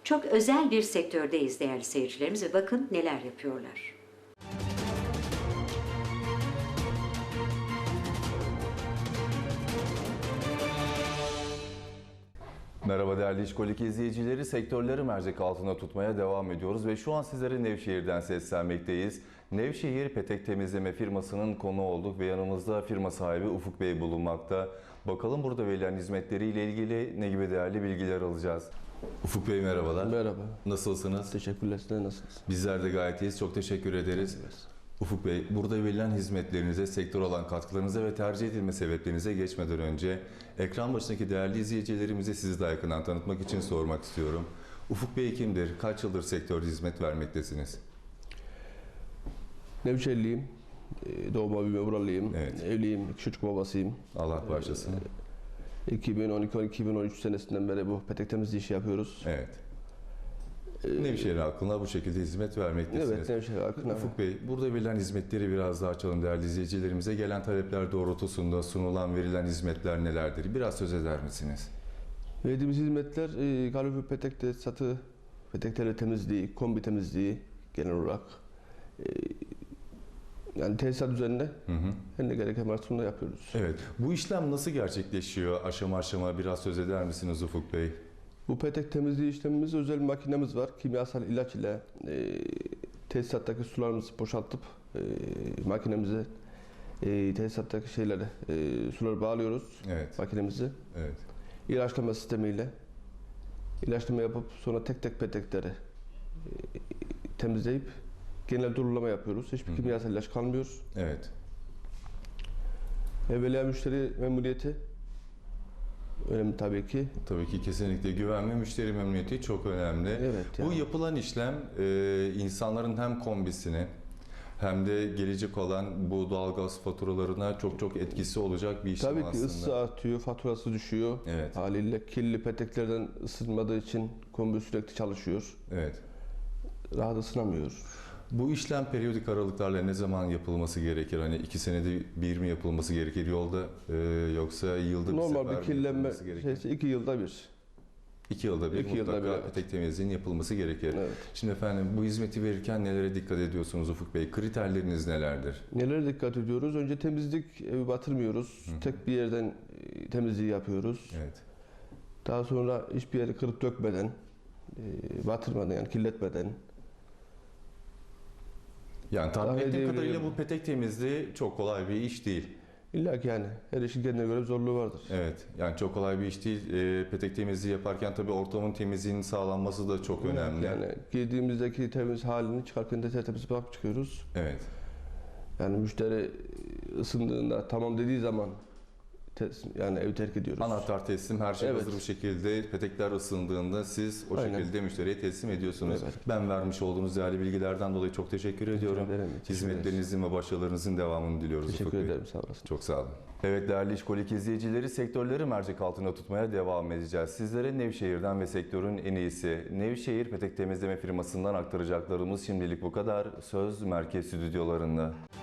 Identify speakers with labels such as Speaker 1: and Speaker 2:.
Speaker 1: Çok özel bir sektördeyiz değerli seyircilerimiz ve bakın neler yapıyorlar.
Speaker 2: Merhaba değerli İşkolik izleyicileri, sektörleri mercek altına tutmaya devam ediyoruz ve şu an sizlere Nevşehir'den seslenmekteyiz. Nevşehir petek temizleme firmasının konu olduk ve yanımızda firma sahibi Ufuk Bey bulunmakta. Bakalım burada verilen hizmetleriyle ilgili ne gibi değerli bilgiler alacağız. Ufuk Bey merhabalar.
Speaker 3: Merhaba.
Speaker 2: Nasılsınız?
Speaker 3: Teşekkürler. Siz de nasılsınız?
Speaker 2: Bizler de gayet iyiyiz. Çok teşekkür ederiz. Ufuk Bey, burada verilen hizmetlerinize, sektör olan katkılarınıza ve tercih edilme sebeplerinize geçmeden önce ekran başındaki değerli izleyicilerimize sizi daha yakından tanıtmak için sormak istiyorum. Ufuk Bey kimdir? Kaç yıldır sektörde hizmet vermektesiniz?
Speaker 3: Nevşehirliyim. Doğma büyüme buralıyım.
Speaker 2: Evet.
Speaker 3: Evliyim. 2 çocuk babasıyım.
Speaker 2: Allah bağışlasın.
Speaker 3: 2012-2013 senesinden beri bu petek temizliği işi yapıyoruz.
Speaker 2: Evet. Nevşehir halkına bu şekilde hizmet vermektesiniz.
Speaker 3: Evet, Nevşehir halkına.
Speaker 2: Ufuk Bey, burada verilen hizmetleri biraz daha açalım değerli izleyicilerimize. Gelen talepler doğrultusunda sunulan, verilen hizmetler nelerdir? Biraz söz eder misiniz?
Speaker 3: Verdiğimiz hizmetler kalorifer petek tesisatı, petekleri temizliği, kombi temizliği genel olarak. Yani tesisat üzerinde her ne gereken varsa onu da yapıyoruz.
Speaker 2: Evet. Bu işlem nasıl gerçekleşiyor? Aşama aşama biraz söz eder misiniz Ufuk Bey?
Speaker 3: Bu petek temizliği işlemimiz özel bir makinemiz var. Kimyasal ilaç ile tesisattaki sularımızı boşaltıp makinemize tesisattaki suları bağlıyoruz.
Speaker 2: Evet.
Speaker 3: Makinemizi.
Speaker 2: Evet.
Speaker 3: İlaçlama sistemiyle ilaçlama yapıp sonra tek tek petekleri temizleyip genel durulama yapıyoruz. Hiçbir kimyasal ilaç kalmıyor.
Speaker 2: Evet.
Speaker 3: Evvela müşteri memnuniyeti önemli tabii ki.
Speaker 2: Tabii ki kesinlikle güven ve müşteri memnuniyeti çok önemli.
Speaker 3: Evet,
Speaker 2: Bu
Speaker 3: yani.
Speaker 2: yapılan işlem insanların hem kombisini hem de gelecek olan bu doğalgaz faturalarına çok etkisi olacak bir işlem
Speaker 3: Tabii ki
Speaker 2: aslında.
Speaker 3: ısı artıyor, faturası düşüyor.
Speaker 2: Evet.
Speaker 3: Haliyle kirli peteklerden ısınmadığı için kombi sürekli çalışıyor.
Speaker 2: Evet.
Speaker 3: Rahat ısınamıyor.
Speaker 2: Bu işlem periyodik aralıklarla ne zaman yapılması gerekir? Hani 2 senede bir mi yapılması gerekir yolda yoksa yılda bir
Speaker 3: Normal
Speaker 2: sefer
Speaker 3: bir
Speaker 2: mi
Speaker 3: kirlenme
Speaker 2: yapılması gerekir?
Speaker 3: şeysi 2 yılda bir.
Speaker 2: 2 yılda bir
Speaker 3: 2 yılda
Speaker 2: mutlaka
Speaker 3: bir, evet.
Speaker 2: petek temizliğinin yapılması gerekir.
Speaker 3: Evet.
Speaker 2: Şimdi efendim bu hizmeti verirken nelere dikkat ediyorsunuz Ufuk Bey? Kriterleriniz nelerdir?
Speaker 3: Nelere dikkat ediyoruz? Önce temizlik, evi batırmıyoruz. Tek bir yerden temizliği yapıyoruz.
Speaker 2: Evet.
Speaker 3: Daha sonra hiçbir yeri kırıp dökmeden, batırmadan yani kirletmeden.
Speaker 2: Yani tahmin
Speaker 3: Daha
Speaker 2: ettiğim
Speaker 3: devriye-
Speaker 2: kadarıyla bu petek temizliği çok kolay bir iş değil.
Speaker 3: İlla ki yani her işin kendine göre bir zorluğu vardır.
Speaker 2: Evet, yani çok kolay bir iş değil. Petek temizliği yaparken tabii ortamın temizliğinin sağlanması da çok önemli.
Speaker 3: Yani girdiğimizdeki temiz halini çıkarken de tertemiz bırakıp çıkıyoruz.
Speaker 2: Evet.
Speaker 3: Yani müşteri ısındığında tamam dediği zaman yani evi terk ediyoruz.
Speaker 2: Anahtar teslim, her şey
Speaker 3: Evet.
Speaker 2: hazır bir şekilde petekler ısındığında siz o
Speaker 3: Aynen.
Speaker 2: şekilde müşteriye teslim ediyorsunuz.
Speaker 3: Evet.
Speaker 2: Ben vermiş olduğunuz değerli bilgilerden dolayı çok teşekkür ediyorum.
Speaker 3: ederim. Teşekkür
Speaker 2: Hizmetlerinizin ve başarılarınızın devamını diliyoruz Ufuk
Speaker 3: Teşekkür
Speaker 2: Bey.
Speaker 3: ederim, sağ olasın.
Speaker 2: Çok sağ olun. Evet değerli İşkolik izleyicileri, sektörleri mercek altına tutmaya devam edeceğiz. Sizlere Nevşehir'den ve sektörün en iyisi Nevşehir Petek Temizleme firmasından aktaracaklarımız şimdilik bu kadar. Söz merkez stüdyolarında.